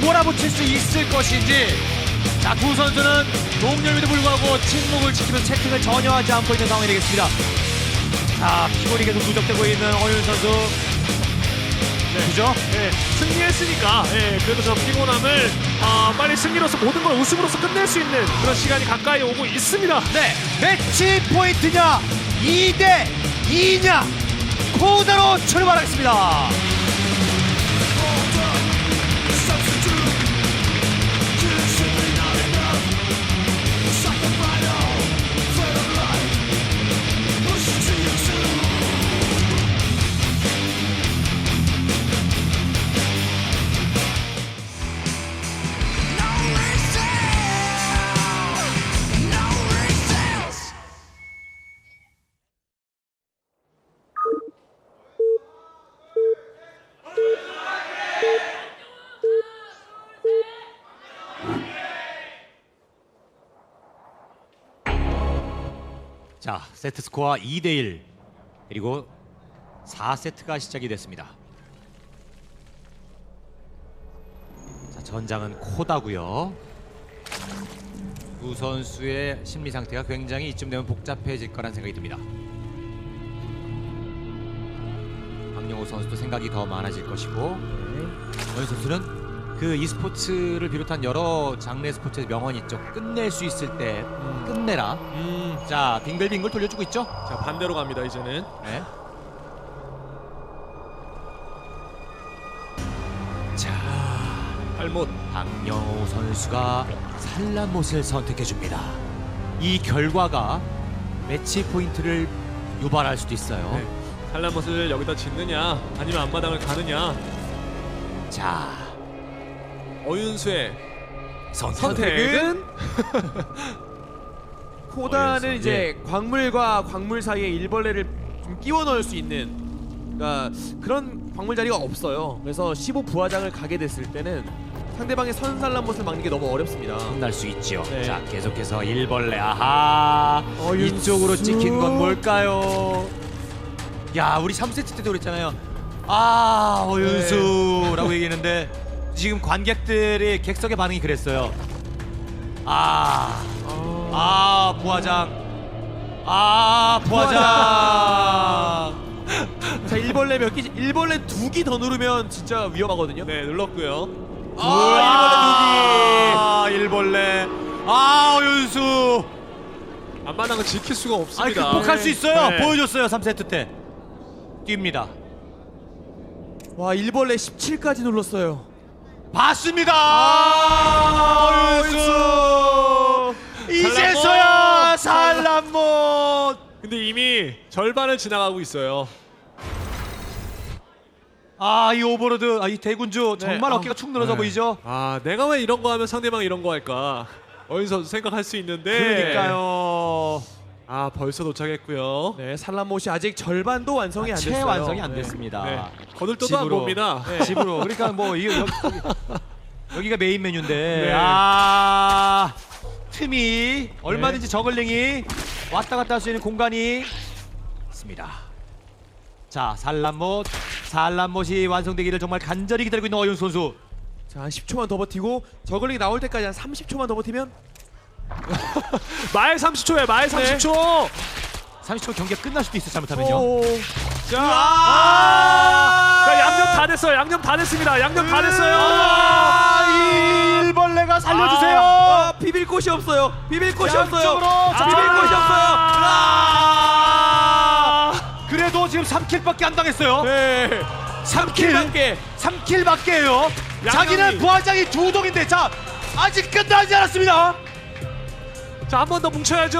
몰아붙일 수 있을 것인지. 자, 두 선수는 동률에도 불구하고 침묵을 지키면서 채팅을 전혀 하지 않고 있는 상황이 되겠습니다. 자, 피골이 계속 누적되고 있는 어윤 선수. 그죠? 네, 승리했으니까 그래도 저 피곤함을 빨리 승리로서 모든 걸 우승으로서 끝낼 수 있는 그런 시간이 가까이 오고 있습니다. 네, 매치 포인트냐 2대 2냐 코다로 출발하겠습니다. 자, 세트 스코어 2대1 그리고 4세트가 시작이 됐습니다. 자, 전장은 코다고요. 두 선수의 심리 상태가 굉장히 이쯤 되면 복잡해질 거란 생각이 듭니다. 박영호 선수도 생각이 더 많아질 것이고 어윤 선수는 그 e스포츠를 비롯한 여러 장르 스포츠의 명언 있죠. 끝낼 수 있을 때 끝내라. 자, 빙글빙글 돌려주고 있죠. 자, 반대로 갑니다 이제는. 네. 자, 발못. 박영호 선수가 산란못을 선택해줍니다. 이 결과가 매치 포인트를 유발할 수도 있어요. 네. 산란못을 여기다 짓느냐 아니면 앞마당을 가느냐. 자, 어윤수의 선택은 코다는 어윤수. 이제 광물과 광물 사이에 일벌레를 좀 끼워 넣을 수 있는, 그러니까 그런 광물 자리가 없어요. 그래서 15 부하장을 가게 됐을 때는 상대방의 선산란못을 막는 게 너무 어렵습니다. 혼날 수 있죠. 네. 자, 계속해서 일벌레. 아하, 어윤수. 이쪽으로 찍힌 건 뭘까요? 야, 우리 3세트 때도 그랬잖아요. 아, 어윤수라고 얘기했는데 지금 관객들의 객석의 반응이 그랬어요. 부하장. 부하장. 자, 일벌레 몇 개? 일벌레 2기 더 누르면 진짜 위험하거든요. 네, 눌렀고요. 일벌레. 어윤수. 앞마당은 지킬 수가 아니, 없습니다. 극복할 수 있어요. 네. 보여줬어요. 3세트 때. 뜁니다. 와, 일벌레 17까지 눌렀어요. 봤습니다. 어윤수. 이제서야 산란못. 근데 이미 절반을 지나가고 있어요. 이 오버로드, 이 대군주 정말 어깨가 축 늘어져 네. 보이죠? 내가 왜 이런 거 하면 상대방이 이런 거 할까? 어윤 선수 생각할 수 있는데. 그러니까요. 벌써 도착했고요. 네, 산란못이 아직 절반도 완성이 안 됐어요. 채 완성이 안 네. 됐습니다. 네. 거들떠도 안 봅니다. 네. 집으로. 그러니까 뭐 여기가 메인 메뉴인데. 네. 틈이 얼마든지 저글링이 왔다 갔다 할 수 있는 공간이 있습니다. 자, 산란못이 완성되기를 정말 간절히 기다리고 있는 어윤 선수. 자, 한 10초만 더 버티고 저글링이 나올 때까지 한 30초만 더 버티면 말 30초에 말 30초. 30초 경기가 끝날 수도 있어 잘못하면요. 오. 자, 양념 다 됐어요. 양념 다 됐습니다. 양념 다 됐어요. 이 일벌레가 살려주세요. 비빌 곳이 없어요. 비빌 곳이 양쪽으로 없어요. 자, 비빌 곳이 없어요. 그래도 지금 3킬밖에 안 당했어요. 네. 3킬. 3킬밖에요. 자기는 부하장이 2동인데 자, 아직 끝나지 않았습니다. 자, 한 번 더 뭉쳐야죠.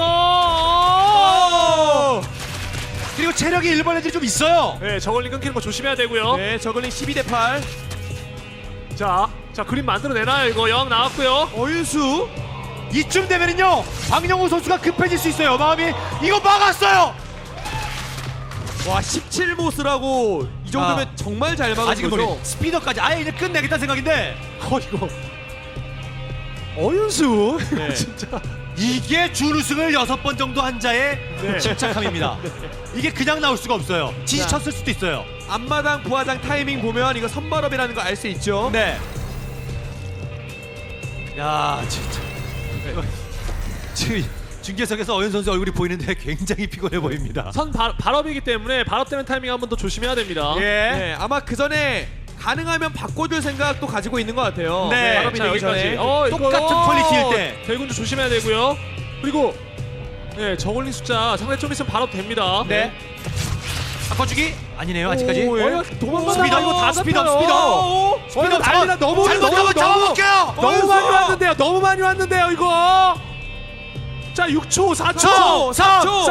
그리고 체력이 일벌레들이 좀 있어요. 네, 저걸링 끊기는 거 조심해야 되고요. 네, 저글링 12대 8. 자, 그림 만들어내나요? 이거 영 나왔고요. 어윤수. 이쯤 되면은요 박영호 선수가 급해질 수 있어요. 마음이. 이거 막았어요. 와, 17모스라고 이 정도면 정말 잘 막은 아직은 거죠. 모르 스피더까지 아예 이제 끝내겠다는 생각인데 이거 어윤수. 네. 진짜. 이게 준우승을 6번 정도 한 자의 네. 침착함입니다. 이게 그냥 나올 수가 없어요. 지지쳤을 수도 있어요. 앞마당 부하장 타이밍 보면 이거 선발업이라는 거 알 수 있죠. 네. 야 진짜 지금 중계석에서 어윤 선수 얼굴이 보이는데 굉장히 피곤해 보입니다. 선 발업이기 때문에 발업되는 타이밍 한 번 더 조심해야 됩니다. 예. 네, 아마 그 전에 가능하면 바꿔줄 생각도 가지고 있는 것 같아요. 네. 발업이 자, 되기 여기까지. 전에. 똑같은 퀄리티일 때. 대군주 조심해야 되고요. 그리고 저글링 숫자 상대 좀 있으면 발업됩니다. 네. 바꿔주기 아니네요 아직까지. 오, 예. 도망가다가 이거 다 스피드업, 잡혀요. 스피드업 난리나. 너무 잘못하면 잡아먹혀요. 너무 많이 왔는데요. 너무 많이 왔는데요 이거. 자 6초 4초 3, 4초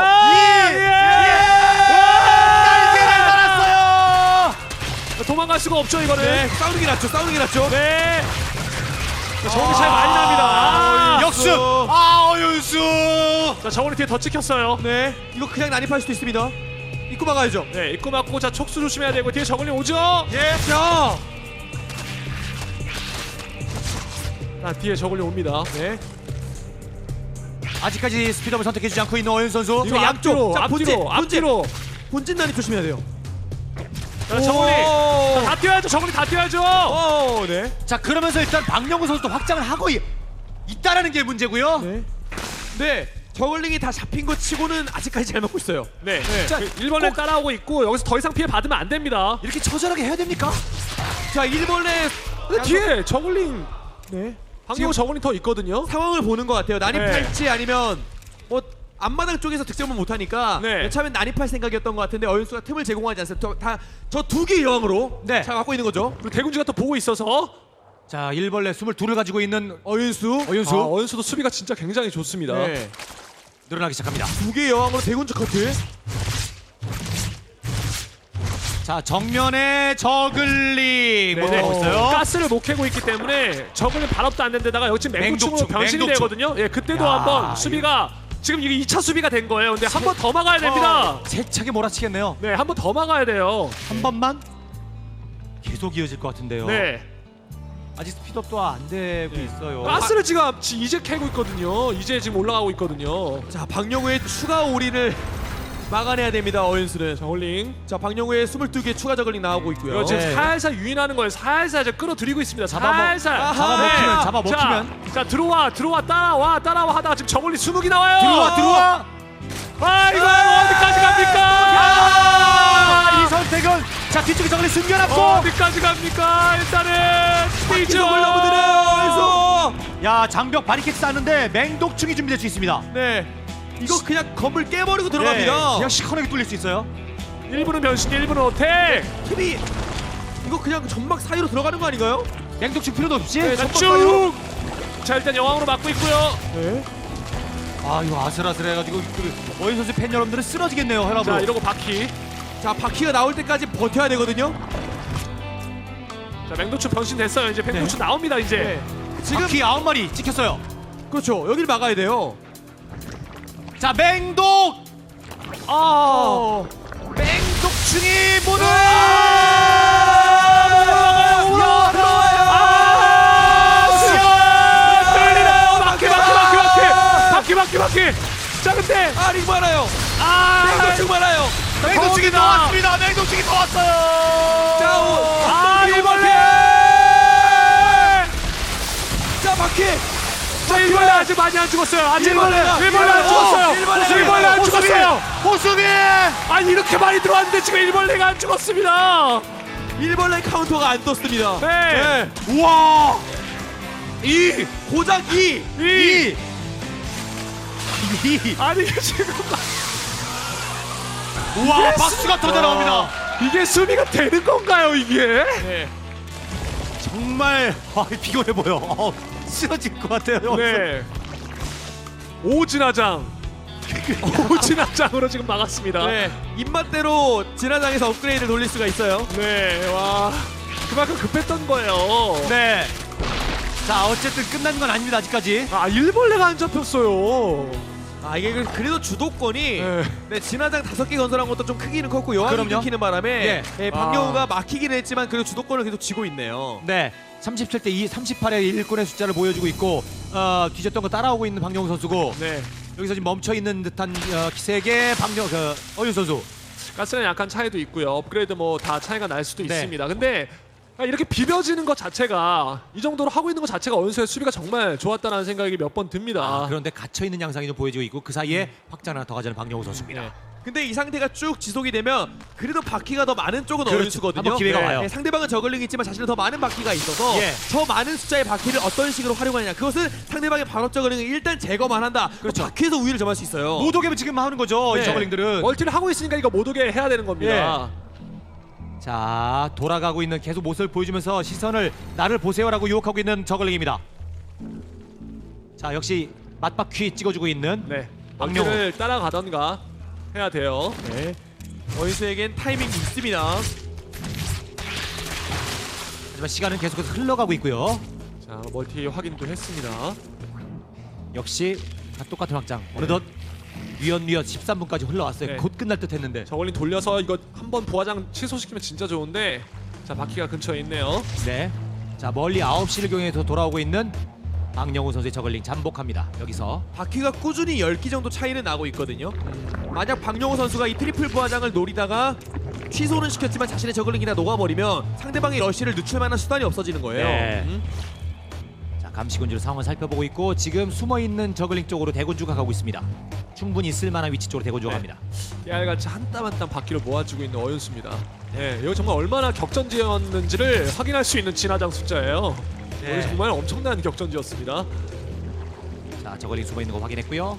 날개를 달았어요. 도망갈 수가 없죠 이거는. 네, 싸우는 게 낫죠. 싸우는 게 낫죠. 네. 저글링 차이 많이 납니다. 역습. 어윤수. 자 저글링 뒤에 더 찍혔어요. 네, 이거 그냥 난입할 수도 있습니다. 입구 막아야죠. 네 입구 맞고 자 촉수 조심해야 되고 뒤에 저글링 오죠. 예, 자, 자 뒤에 저글링 옵니다. 네, 아직까지 스피드업을 선택해주지 않고 있는 어윤 선수. 이거 양쪽. 앞뒤로 자, 앞뒤로 앞뒤로. 본진 난입 조심해야 돼요. 자 저글링 오. 다 뛰어야죠. 저글링 다 뛰어야죠. 오, 네, 자 그러면서 일단 박명훈 선수도 확장을 하고 있다라는 게 문제고요. 네, 네. 저글링이 다 잡힌 것 치고는 아직까지 잘 먹고 있어요. 네. 자, 1번에 따라오고 있고 여기서 더 이상 피해 받으면 안 됩니다. 이렇게 처절하게 해야 됩니까? 자, 일본의 근데 뒤에 저글링 네, 방금 저글링 더 있거든요. 상황을 보는 것 같아요. 난입할지 네. 아니면 뭐 앞마당 쪽에서 득점을 못하니까 네. 처음엔 난입할 생각이었던 것 같은데 어윤수가 틈을 제공하지 않습니다. 저 두 개 여왕으로 네. 잘 갖고 있는 거죠. 그리고 대군주가 또 보고 있어서 자 일벌레 22를 가지고 있는 어윤수 어윤수 어윤수도 수비가 진짜 굉장히 좋습니다. 네. 늘어나기 시작합니다. 두 개 여왕으로 대군주 커트. 자 정면에 저글링 뭐 네. 하고 있어요. 가스를 못 캐고 있기 때문에 저글링 발업도 안 된 데다가 여기 지금 맹독충으로 맹독충, 변신이 맹독충. 되거든요. 예, 그때도 야, 한번 수비가 지금 이게 2차 수비가 된 거예요. 근데 한 번 더 막아야 됩니다. 세차게 몰아치겠네요. 네, 한 번 더 막아야 돼요. 한 번만 계속 이어질 것 같은데요. 네. 아직 스피드업도 안 되고 있어요. 가스를 지금 이제 캐고 있거든요. 이제 지금 올라가고 있거든요. 자, 박영우의 추가 오리를 막아내야 됩니다. 어윤수는. 저글링. 자, 박영우의 22개 추가 저글링 나오고 있고요. 이거 지금 네. 살살 유인하는 거예요. 살살 이제 끌어들이고 있습니다. 잡아먹- 살살. 아하. 잡아먹히면. 자 들어와 따라와 하다가 지금 저글링 20이 나와요. 들어와. 아 이거 어디까지 갑니까? 이 선택은 자 뒤쪽에 저글링 숨겨놨고. 어디까지 갑니까? 일단은 뛰죠. 이쪽을 넘어드려요. 어윤수. 야 장벽 바리케이트 쌓는데 맹독충이 준비될 수 있습니다. 네. 이거 그냥 건물 깨버리고 들어갑니다. 네, 그냥 시커멓게 뚫릴 수 있어요. 1분은 변신, 1분은 어택. TV 이거 그냥 전막 사이로 들어가는 거 아닌가요? 맹독충 필요도 없이. 네, 자, 전방 쭉. 자 일단 여왕으로 막고 있고요. 네. 아 이거 아슬아슬해가지고 어윤 선수 팬 여러분들은 쓰러지겠네요 혈압으로. 자 이러고 바퀴. 자, 바퀴가 나올 때까지 버텨야 되거든요. 자 맹도추 변신 됐어요. 이제 맹도추 나옵니다 이제. 네. 지금 바퀴 9마리 찍혔어요. 그렇죠. 여기를 막아야 돼요. 자 맹독. 어. 맹독충이 문을. 바퀴. 자 근데 아, 링 많아요. 아 맹독충 많아요. 맹독충이 더 왔습니다. 맹독충이 더 왔어요. 자, 아 일벌레. 자, 바퀴. 자 일벌레 아직 많이 안 죽었어요. 아직 일벌레 안 일벌레. 죽었어요. 일벌레. 일벌레 안 죽었어요. 호수비. 아니 이렇게 많이 들어왔는데 지금 일벌레가 안 죽었습니다. 일벌레 카운터가 안 떴습니다. 네. 우와. 고작 2. 이. 이. 아니 이게 지금 우와 박수가 터져 나옵니다. 이게 수비가 되는 건가요 이게? 네. 정말 피곤해 보여. 쓰러질 것 같아요. 네. 오진화장. 오진화장으로 지금 막았습니다. 네. 입맛대로 진화장에서 업그레이드를 돌릴 수가 있어요. 네. 와. 그만큼 급했던 거예요. 네. 자 어쨌든 끝난 건 아닙니다 아직까지. 아 일벌레가 안 잡혔어요. 아, 이게 그래도 주도권이 네. 네, 진화장 5개 건설한 것도 좀 크기는 컸고 여왕이 그럼요. 끊기는 바람에 예. 네, 박영우가 막히긴 했지만 그래도 주도권을 계속 쥐고 있네요. 네. 37대 2, 38의 일꾼의 숫자를 보여주고 있고 뒤졌던 거 따라오고 있는 박영우 선수고 네. 여기서 지금 멈춰 있는 듯한 기색의 어윤 선수. 가스는 약간 차이도 있고요. 업그레이드 뭐 다 차이가 날 수도 네. 있습니다. 근데 이렇게 비벼지는 것 자체가 이 정도로 하고 있는 것 자체가 어윤수의 수비가 정말 좋았다는 생각이 몇 번 듭니다. 그런데 갇혀있는 양상이 좀 보여지고 있고 그 사이에 확장 하나 더 가져는 박영호 선수입니다. 네. 근데 이 상태가 쭉 지속이 되면 그래도 바퀴가 더 많은 쪽은 그렇죠. 어윤수거든요. 한번 기회가 와요. 네, 상대방은 저글링이 있지만 자신은 더 많은 바퀴가 있어서 예. 저 많은 숫자의 바퀴를 어떤 식으로 활용하느냐. 그것은 상대방의 발업 저글링을 일단 제거만 한다. 그렇죠. 바퀴에서 우위를 점할 수 있어요. 못 오게 지금 하는 거죠. 네. 이 저글링들은. 멀티를 하고 있으니까 이거 못 오게 해야 되는 겁니다. 자, 돌아가고 있는 계속 모습을 보여주면서 시선을 나를 보세요라고 유혹하고 있는 저글링입니다. 자, 역시 맞바퀴 찍어주고 있는 네. 박명호. 멀티를 따라가던가 해야 돼요. 네. 어윤수에겐 타이밍이 있습니다. 하지만 시간은 계속해서 흘러가고 있고요. 자, 멀티 확인도 했습니다. 역시 다 똑같은 확장. 어느덧 뉘엿뉘엿 13분까지 흘러왔어요. 네. 곧 끝날 듯 했는데. 저걸린 돌려서 이거 한번 부화장 취소시키면 진짜 좋은데 자, 바퀴가 근처에 있네요. 네. 자, 멀리 9시를 경해서 돌아오고 있는 박영호 선수의 저글링 잠복합니다. 여기서 바퀴가 꾸준히 10기 정도 차이는 나고 있거든요. 만약 박영호 선수가 이 트리플 부하장을 노리다가 취소는 시켰지만 자신의 저글링이나 녹아버리면 상대방의 러쉬를 늦출만한 수단이 없어지는 거예요. 네. 자, 감시군주로 상황을 살펴보고 있고 지금 숨어있는 저글링 쪽으로 대군주가 가고 있습니다. 충분히 있을만한 위치 쪽으로 대군주가 네. 갑니다. 깨알같이 한 땀 한 땀 바퀴를 모아주고 있는 어윤수입니다. 네, 여기 정말 얼마나 격전지였는지를 확인할 수 있는 진화장 숫자예요. 네. 여기 정말 엄청난 격전지였습니다. 자, 저글링 숨어있는 거 확인했고요.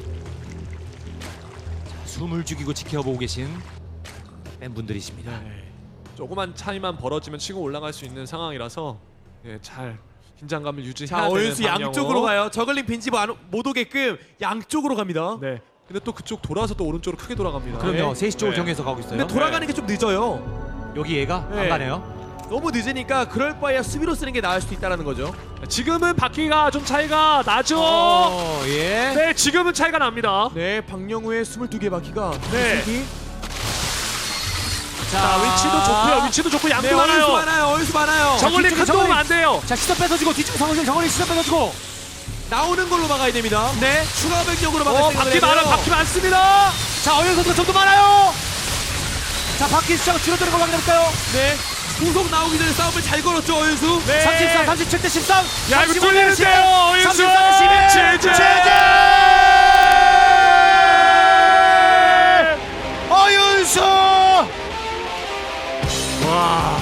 자, 숨을 죽이고 지켜보고 계신 팬분들이십니다. 네. 조그만 차이만 벌어지면 치고 올라갈 수 있는 상황이라서 네, 잘 긴장감을 유지해야 자, 되는 어윤수 박영호. 양쪽으로 가요. 저글링 빈집 못 오게끔 양쪽으로 갑니다. 네. 근데 또 그쪽 돌아서 또 오른쪽으로 크게 돌아갑니다. 그럼요. 네. 3시 쪽으로 네. 정해서 가고 있어요. 근데 돌아가는 게 좀 늦어요. 여기 얘가 네. 안 가네요. 너무 늦으니까 그럴 바에야 수비로 쓰는 게 나을 수도 있다는 거죠. 지금은 바퀴가 좀 차이가 나죠. 예. 네, 지금은 차이가 납니다. 네, 박영우의 22개 바퀴가 네. 기 자, 위치도 좋고요. 위치도 좋고 양도 네, 어윤수 많아요. 많아요. 어윤수 많아요. 저걸리 뒤쪽에 큰 저걸리. 도움 안 돼요. 자, 시선 뺏어주고 뒤쪽 상황에서 저글링 시선 뺏어주고. 나오는 걸로 막아야 됩니다. 네. 추가 변경으로 막을 생각을 바퀴 해야 돼요. 많아, 바퀴 많습니다. 자, 어윤 선수가 좀 더 많아요. 자, 바퀴 숫자가 줄어드는 걸 확인해볼까요? 네. 후속 나오기 전에 싸움을 잘 걸었죠, 어윤수. 네. 33, 37대 13. 야, 이거 35대 뚫리는데요, 어윤수. 33대 11. 제재. 어윤수 와.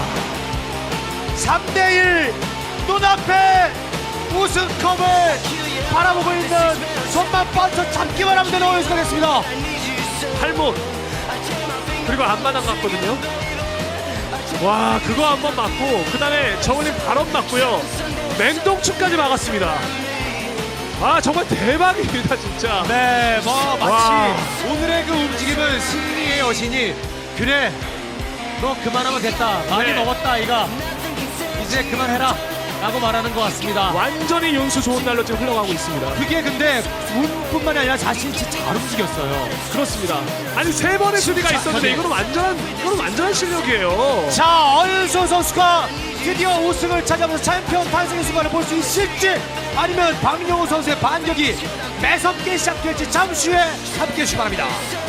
3대1 눈앞에 우승컵을 바라보고 있는 손만 뻗쳐 잡기만 하면 되는 어윤수가 됐습니다. 팔목 그리고 앞마당 갔거든요. 와, 그거 한 번 맞고 그 다음에 저울림 발언 맞고요. 맹동충까지 막았습니다. 아, 정말 대박입니다, 진짜. 네, 뭐 마치 와. 오늘의 그 움직임은 승리의 여신이 그래 너 그만하면 됐다 많이 네. 먹었다 아이가 이제 그만해라 라고 말하는 것 같습니다. 완전히 윤수 좋은 날로 지금 흘러가고 있습니다. 그게 근데 운뿐만이 아니라 자신이 진짜 잘 움직였어요. 그렇습니다. 아니, 세 번의 수비가 있었는데 이거는 완전한 실력이에요. 자, 어윤수 선수가 드디어 우승을 차지하면서 챔피언 탄생의 순간을 볼 수 있을지 아니면 박영호 선수의 반격이 매섭게 시작될지 잠시 후에 함께해 주시기 바랍니다.